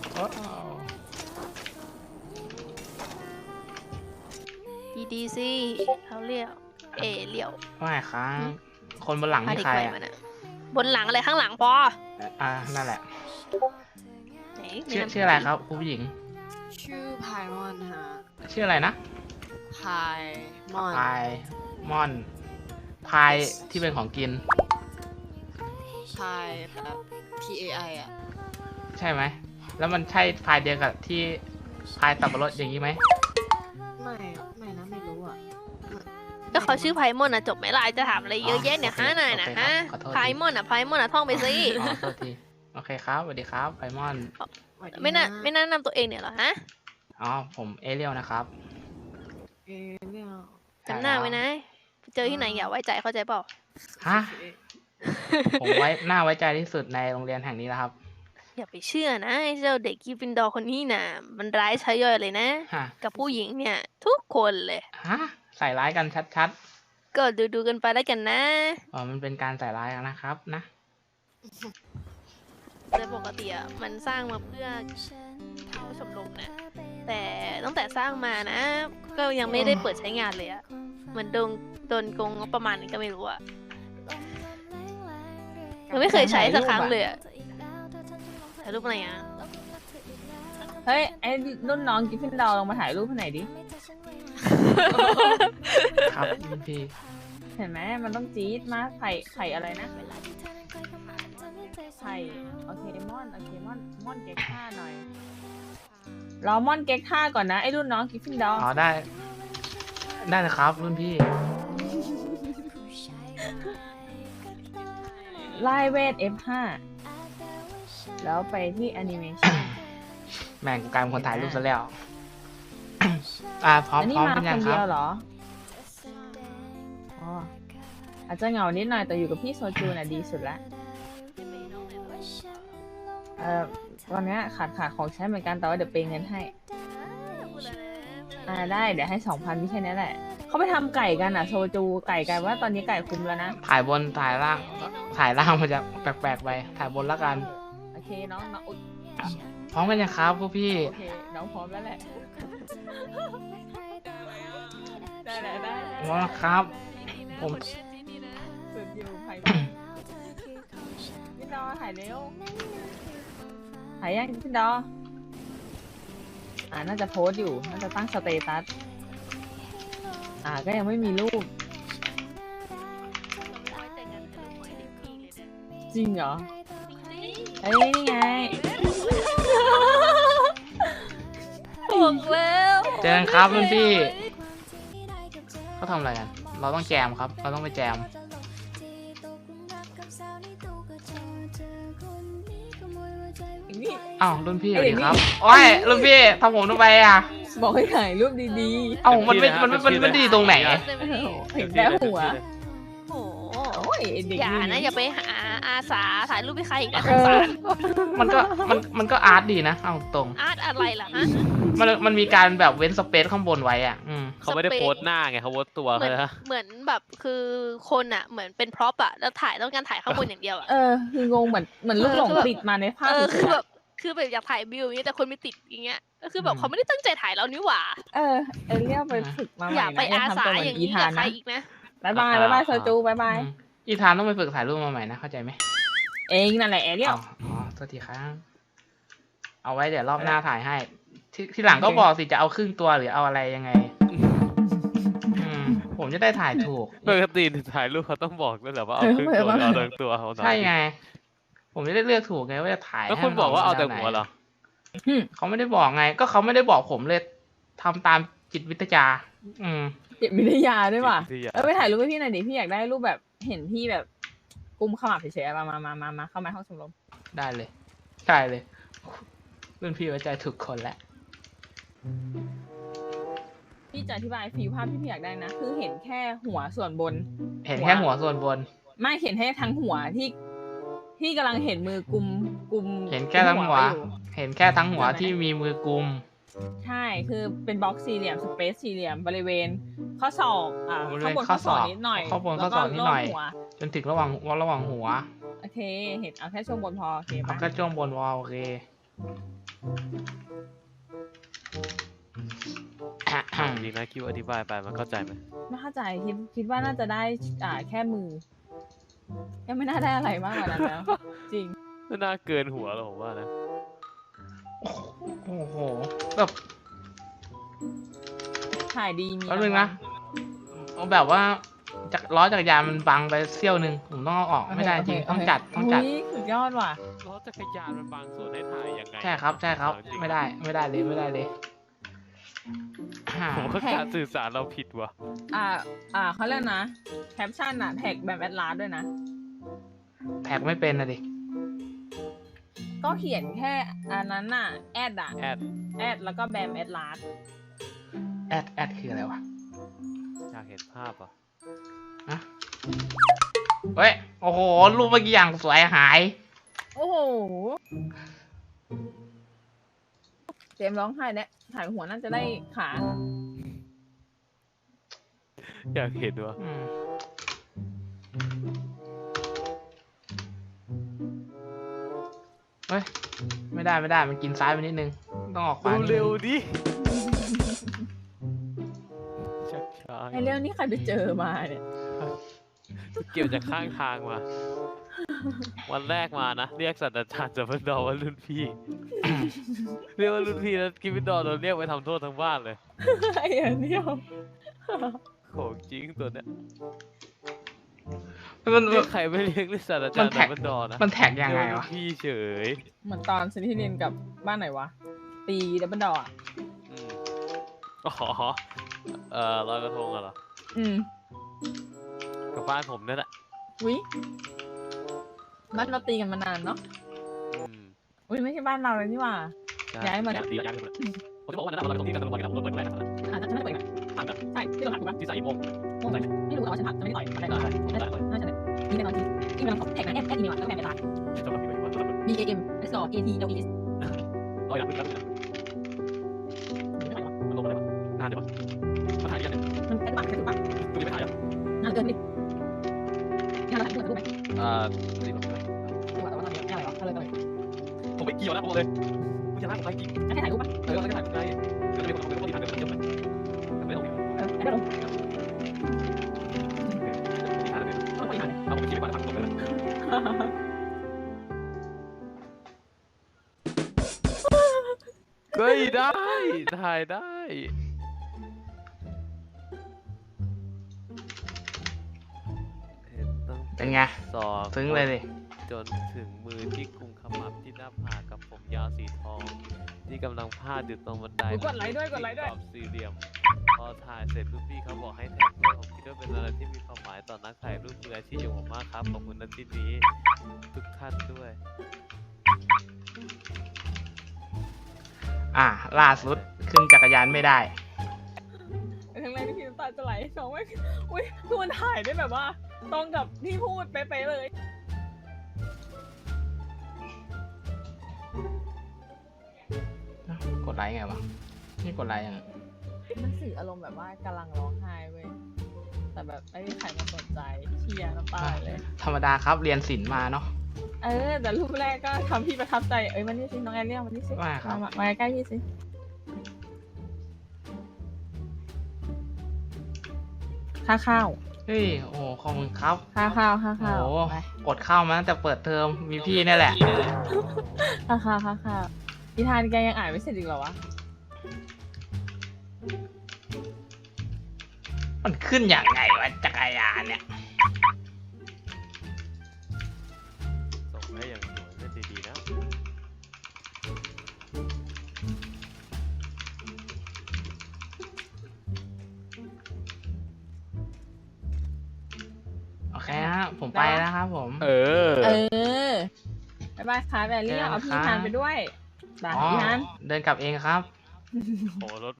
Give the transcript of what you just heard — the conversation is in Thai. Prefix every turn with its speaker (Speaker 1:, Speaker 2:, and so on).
Speaker 1: ว้าว
Speaker 2: ดีๆสิเขาเรียกเอเลี่ยว
Speaker 1: ไม่ครับคนบนหลัง
Speaker 2: พา
Speaker 1: นี่
Speaker 2: เด็ก
Speaker 1: ใคร
Speaker 2: ใหม่
Speaker 1: อ่ะ
Speaker 2: มาน่ะบนหลังอะไรข้างหลังพอ
Speaker 1: นั่นแหละ
Speaker 2: ไหน
Speaker 1: ชื่ออะไรครับผู้หญิง
Speaker 3: ชื่อพายมอนฮะ
Speaker 1: ชื่ออะไรนะ
Speaker 3: พายมอน
Speaker 1: พายมอนพายที่เป็นของกิน
Speaker 3: พายแบบ PAI อ่ะ
Speaker 1: ใช่ไหมแล้วมันใช่พายเดียวกับที่พายสับปะรดอย่างนี้ไหม
Speaker 3: ไม่นะไม่รู้อ่ะ
Speaker 2: ก็เขาชื่อไพมอนอะจบไหมล่ะจะถามอะไรเยอะแยะเนี่ยฮะนายนะฮะไพมอนอะท่องไปสิ
Speaker 1: อ๋อโทษทีโอเคครับสวัสดีครับไพมอน
Speaker 2: ไม่น่านำตัวเองเนี่ยเหรอฮะ
Speaker 1: อ๋อผมเอเรียลนะครับ
Speaker 3: เอเลี่ยว
Speaker 2: จำหน้าไว้นะเจอที่ไหนอย่าไว้ใจเข้าใจเปล่า
Speaker 1: ฮะผมน่าไว้ใจที่สุดในโรงเรียนแห่งนี้แล้วครับ
Speaker 2: อย่าไปเชื่อนะไอ้เจ้าเด็กกริฟฟินดอร์คนนี้น่ะมันร้ายใช้ย่อยเลยนะ
Speaker 1: ฮะ
Speaker 2: กับผู้หญิงเนี่ย ทุกคนเลย
Speaker 1: ฮะใส่ร้ายกันชัด
Speaker 2: ก็ดูกันไปแล้วกันนะ
Speaker 1: ๆอ๋อมันเป็นการใส่ร้ายกันนะครับนะ
Speaker 2: โดยปกติอะมันสร้างมาเพื่อเข้าชมรมนะแต่ตั้งแต่สร้างมานะ ก็ยังไม่ได้เปิดใช้งานเลยอะเหมือนโดนโกงงบประมาณนี้ก็ไม่รู้อะยังไม่เคยใช้สักครั้งเลยอะถ่ายรูปอะไรอะ
Speaker 4: เฮ้ย ไอ้รุ่นน้องกิฟฟินดาวลองมาถ่ายรูปให้หน่อยดิ
Speaker 1: ครับพี่
Speaker 4: เห็นไหมมันต้องจี๊ดมากไข่อะไรนะไข่โอเคมอนม่อนเก๊กท่าหน่อยรอม่อนเก๊กท่าก่อนนะไอ้รุ่นน้องกิฟฟินดาว
Speaker 1: อ๋อได้เลยครับรุ่นพี่
Speaker 4: ไล่เวท F5 แล้วไปที่แอนิเมชัน
Speaker 1: แม่งกูกลายเป็นคนถ่ายรูปซะแล้ว พร้อม
Speaker 4: อันนี้
Speaker 1: พร้อม
Speaker 4: มา
Speaker 1: เป็น
Speaker 4: ค
Speaker 1: ยัง
Speaker 4: น
Speaker 1: ค
Speaker 4: เดี
Speaker 1: รั
Speaker 4: ยว
Speaker 1: บ
Speaker 4: เหรออ๋ออาจจะเหงานิดหน่อยแต่อยู่กับพี่โซจูน่ะดีสุดละวันนี้ขาดของใช้เหมือนกันแต่ว่าเดี๋ยวเปย์เงินให้ได้เดี๋ยวให้ 2,000พี่แค่นี้แหละเขาไปทำไก่กันอ่ะโซจูไก่กันว่าตอนนี้ไก่คุมแล้วนะ
Speaker 1: ถ่ายบนถ่ายล่างมันจะแปลกๆไปถ่ายบนแล้วกัน
Speaker 4: โอเคน้องอุ๊ย
Speaker 1: พร้อมกันยังครับพวกพี่
Speaker 4: โอเคน้องพร้อมแล้วแหละได้
Speaker 1: พร้อมแล้วครับ ผม
Speaker 4: สุดอยู่ไผ่พี่ดอถ่ายเร็วถ่ายยังพี่ดอน่าจะโพสต์อยู่น่าจะตั้งสเตตัสก็ยังไม่มีรูปจริงเหรอเอ้ยนี่ไง
Speaker 2: บอกแล้ว
Speaker 1: เจอกันครับรุ่นพี่เขาทำอะไรกันเราต้องแจมครับ เราต้องไปแจมอ้าวรุ่นพี่สวัสดีครับโอ้ยรุ่นพี่ทำผมทำไมอ่ะ
Speaker 4: บอกให้ถ่ายรูปดี
Speaker 1: เอ้ามันดีตรงไหน
Speaker 4: ๆเห็นแต่หัว
Speaker 2: โอ้โห
Speaker 4: โอ้ยเด็ก
Speaker 2: อย่านะอย่าไปหาอาสาถ่ายรูปให้ใครอีกนะส
Speaker 4: เอง
Speaker 2: สา
Speaker 4: อ
Speaker 2: ร
Speaker 1: มันก็อาร์ตดีนะเอาตรง
Speaker 2: อาร์ตอะไรล่ะฮะ
Speaker 1: มันมีการแบบเว้นสเปซข้างบนไว้อ่ะ
Speaker 5: เขาไม่ได้โพสต์หน้าไงเขาโพสต์ตัว
Speaker 2: เหมื
Speaker 5: เขา
Speaker 2: อน
Speaker 5: นะ
Speaker 2: เหมือนแบบคือคนอะเหมือนเป็นพร็อพอะแล้วต้องการถ่ายข้างบนอย่างเดียวอะ
Speaker 4: คืองงเหมือนลูกหลงติดมาในภาพ
Speaker 2: คือแบบอยากถ่ายวิวอย่างเงี้ยแต่คนไม่ติดอย่างเงี้ยก็คือแบบเขาไม่ได้ตั้งใจถ่ายเรานี่หว่า
Speaker 4: เอเรียกไปฝึกมาให
Speaker 2: อย่า
Speaker 4: ม่
Speaker 2: ไป
Speaker 4: นะ
Speaker 2: อา
Speaker 4: ทำ
Speaker 2: สา
Speaker 4: ตัวเหมือ
Speaker 2: อย่าง
Speaker 4: นอี
Speaker 2: นี้
Speaker 4: ธา
Speaker 2: กับ
Speaker 4: น
Speaker 2: ใคร
Speaker 4: นะ
Speaker 2: อีกนะ
Speaker 4: บ๊ายบายโซจูบ๊ายบาย
Speaker 1: อีธานต้องไปฝึกถ่ายรูปมาใหม่นะเข้าใจไหม
Speaker 4: เองนั่นแหละเอเรีย
Speaker 1: อ๋อโทษทีครับเอาไว้เดี๋ยวรอบหน้าถ่ายให้ที่หลังก็บอกสิจะเอาครึ่งตัวหรือเอาอะไรยังไงผมจะได้ถ่ายถูก
Speaker 5: ปกติถ่ายรูปเขาต้องบอกด้วยเหรอว่าเอาครึ่งตัวเอาทั้งตัวเอาหน่อย
Speaker 1: ใช่ไง ผมจะได้เลือกถูกไงว่าจะถ่าย
Speaker 5: แล้วคุณบอกว่าเอาแต่หัวเหรอ
Speaker 1: เขาไม่ได้บอกไง ก็เขาไม่ได้บอกผมเลยทำตามจิตวิทยา
Speaker 4: เก็บวิทยาด้วยว่ะ
Speaker 5: ที่อยาก
Speaker 4: ไปถ่ายรูปให้พี่หน่อยดิพี่อยากได้รูปแบบเห็นพี่แบบกุมขมับเฉยๆมาเข้ามาห้องชมรม
Speaker 1: ได้เลยรุ่นพี่ไว้ใจถูกคนแล้ว
Speaker 4: พี่จะอธิบายฟีลภาพที่พี่อยากได้นะคือเห็นแค่หัวส่วนบน
Speaker 1: เห็นแค่หัวส่วนบน
Speaker 4: ไม่เห็นแค่ทั้งหัวที่กำลังเห็นมือกุม
Speaker 1: เห็นแค่ทั้งหัว
Speaker 4: ไอยู่
Speaker 1: เห็นแค่ทั้งหัวที่มีมือกุม
Speaker 4: ใช่คือเป็นบล็อกสี่เหลี่ยมสเปซสี่เหลี่ยมบริเวณข้อศอก
Speaker 1: บริเวณ
Speaker 4: ข้างบน
Speaker 1: ข้
Speaker 4: ข้
Speaker 1: อ
Speaker 4: อ
Speaker 1: ศ
Speaker 4: ศ
Speaker 1: อ
Speaker 4: อก กนิดหน่อย
Speaker 1: ข้างบนข้อศอกนิดหน่อย
Speaker 4: แล้วก็รบหัว
Speaker 1: จนถึงระหว่างหัว
Speaker 4: โอเคเห็นเอาแค่ช่วงบนพอโอเค
Speaker 1: เอา
Speaker 4: ปะ
Speaker 1: แค่ช่วงบนวอลโอเค
Speaker 5: จริงนะคิวอธิบายไปมันเข้าใจไหม
Speaker 4: ไม่เข้าใจคิดว่าน่าจะได้แค่มือยังไม่น่าได้อะไรมากกว่านั้นแล้ว จริง
Speaker 5: ไม่น่าเกินหัวหรอกผมว่านะ
Speaker 1: โอ้โหแบบ
Speaker 4: ถ่ายดีมี
Speaker 1: แป๊บนึงนะเอาแบบว่าล้อจักรยานมันบังไปเสี้ยวหนึ่งผมต้องเอาออกไม่ได้จริงต้องจัด
Speaker 4: อุ๊ยสุดยอดว่ะ
Speaker 5: ล้อจักรยานมันบางส่วนให้ถ่ายยังไง
Speaker 1: ใช่ครับใช่ครับ
Speaker 5: จงๆ
Speaker 1: ไม่ได้เลย
Speaker 5: ผมว่าการสื่อสารเราผิดว่ะ
Speaker 4: เขาเรียกนะแคปชั่นอะแท็กแบบแอดลาสด้วยนะ
Speaker 1: แท็กไม่เป็นนะดิ
Speaker 4: ก็เขียนแค่อันนั้นน่ะแอด
Speaker 5: แอด
Speaker 4: แล้วก็แบมแอดลาส
Speaker 1: แอดคืออะไรวะ
Speaker 5: อยากเห็นภาพอ่ะ
Speaker 1: ฮะเฮ้ยโอ้โหรูปเมื่อกี้อย่างสวยหาย
Speaker 4: โอ้โหเจมส์ร้องไห้เนี่ยถ่ายหัวน่าจะได้ขา
Speaker 5: อยากเห็นว่ะ
Speaker 1: อืมเฮ้ยไม่ได้มันกินซ้ายไปนิดนึงต้องออกขวานิดนึง
Speaker 5: เร็วๆดิช้า
Speaker 4: ไอเรื่องนี้ใครไปเจอมาเนี่ย
Speaker 5: ๆเกี่ยวจากข้างทางมา วันแรกมานะ เรียกศาสตราจารย์จับพดอว่ารุ่นพี่ เรียกว่ารุ่นพี่แล้วกิฟฟินดอร์โดนเรียกไปทำโทษทั้งบ้านเลย
Speaker 4: ไอ้อันเดียว
Speaker 5: ของจริงตัวเนี้ย
Speaker 1: มัน
Speaker 5: เรียกใครไม่เรียกเรียกศาสตราจารย์จับพดอนะ
Speaker 1: มันแท็กยังไง
Speaker 5: เรีก
Speaker 1: วะ
Speaker 5: รุ่นพี่เฉย
Speaker 4: เหมือนตอนซินที่เรียนกับบ้านไหนวะ ตีดับเบิลดอร์
Speaker 5: อืมอ๋อลอยกระทงอะเหรอ
Speaker 4: อืม
Speaker 5: กับบ้านผมนั่นแหละ
Speaker 4: วิบ้านเราตีกันมานานเนาะ
Speaker 5: อืม
Speaker 4: อุ้ยไม่ใช่บ้านเราเลยนี่หว่า ย้ายมา
Speaker 5: ดีย้ายมาผมจะบอกว่านั่นเราตรงที่กันตรงกันเราเปิดแรกนะ
Speaker 4: จะไม่ได้เปิดนะ
Speaker 5: ผ่านแบบ
Speaker 4: ใช่ที่เราหลักถูกปะ
Speaker 5: ที่ใส่โม่ง
Speaker 4: โอ้ยไม่รู้แต่ว่าฉันผักจะไม่ได้ต่อยอะไรก่อนน่าจะมีในตอนที่ที่มันแท็กนะแอดอีเมลแล้วก็แบนไปตาย
Speaker 5: ที่จะมาเป็นวัน
Speaker 4: B A M S O A T W E S
Speaker 5: ร้อยหลังแล้วมันลงอะไรวะนานเดี๋ยวมาถ่ายกันเนี่ย
Speaker 4: มันเป็นปากเป็นปาก
Speaker 5: ดูไม่ถ่ายอ่ะ
Speaker 4: นานเกินดิงานเราถ่ายรูปไหม
Speaker 5: นี่แบบ
Speaker 4: ดูว่าแต่ว่าตอนนี้งานอะไรวะอะไรกันเลย
Speaker 5: ผมไม่เกี่ยวนะผมเลยกูจะนั่งผมไปจริง
Speaker 4: แค่ถ่ายรูปปะ
Speaker 5: แล้วก็ถ่ายไงก็จะมีคนที่ถ่ายเป็นเยอะไปไม่ต้อง
Speaker 4: ไม่ได้ลง
Speaker 5: ถ่ายเลย
Speaker 4: ต้องไปถ่าย
Speaker 5: เอาผมคิดไปก่อนทำตรงเลยก็ได้ถ่ายได้
Speaker 1: เป็นไง
Speaker 5: สอบ
Speaker 1: ซึ้งเลยดิ
Speaker 5: จนถึงมือที่กุมขมับที่หน้าผากกับผมยาวสีทอง ที่กำลังพาดอยู่ตรงบันได
Speaker 4: กดไลค์ด้วยกดไลค์ด้วย
Speaker 5: กรอบสี่เหลี่ยม พอถ่ายเสร็จรุ่นพี่เขาบอกให้แท็กด้วยผมคิดว่าเป็นอะไรที่มีความหมายต่อนักถ่ายรูปมืออาชีพอย่างผมมากครับขอบคุณณที่นี้ทุกท่านด้วย
Speaker 1: ล่าสุดขึ้นจักรยานไม่ได้
Speaker 4: ทั้งแรกที่พี่น้ำตาจะไหลน้องไม่อุ้ยคือมันถ่ายได้แบบว่าตรงกับที่พูดเป๊ะๆเลย
Speaker 1: กดไลค์ไงวะนี่กดไลค์ยัง
Speaker 4: มันสื่ออารมณ์แบบว่ากำลังร้องไห้เว้ยแต่แบบไม่มีใครมาสนใจเชียร์น้ำตาไหลเลย
Speaker 1: ธรรมดาครับเรียนศิลป์มาเนาะ
Speaker 4: แต่รูปแรกก็ทำพี่ประทับใจมันนี่สิน้องแอนเรียกมันนี่สิ
Speaker 1: ว่าครับ
Speaker 4: มาใกล้พี่สิค่าข้าว
Speaker 1: เฮ้ยโอ้โหขอบคุณครับ
Speaker 4: ค่าข้าวค่า
Speaker 1: โอ้
Speaker 4: ข้าว
Speaker 1: โห
Speaker 4: ไป
Speaker 1: อดข้าวมาตั้งแต่เปิดเทอมมีพี่นี่แหละ
Speaker 4: ค่าข้าวนิทานแกยังอ่านไม่เสร็จอีกเหรอวะ
Speaker 1: มันขึ้นอย่างไงวะจักรยานเนี่ย
Speaker 5: ส่งให้อย่างสวยเล่นดีๆนะ
Speaker 1: โอเคฮะผมไปแล้วครับผม
Speaker 5: เออ
Speaker 4: บ๊ายบายค่ะแบลลี่เอาพี่ทานไปด้วยบาย
Speaker 1: อ๋อ
Speaker 4: พี่ทาน
Speaker 1: เดินกลับเองครับ
Speaker 5: โหรถ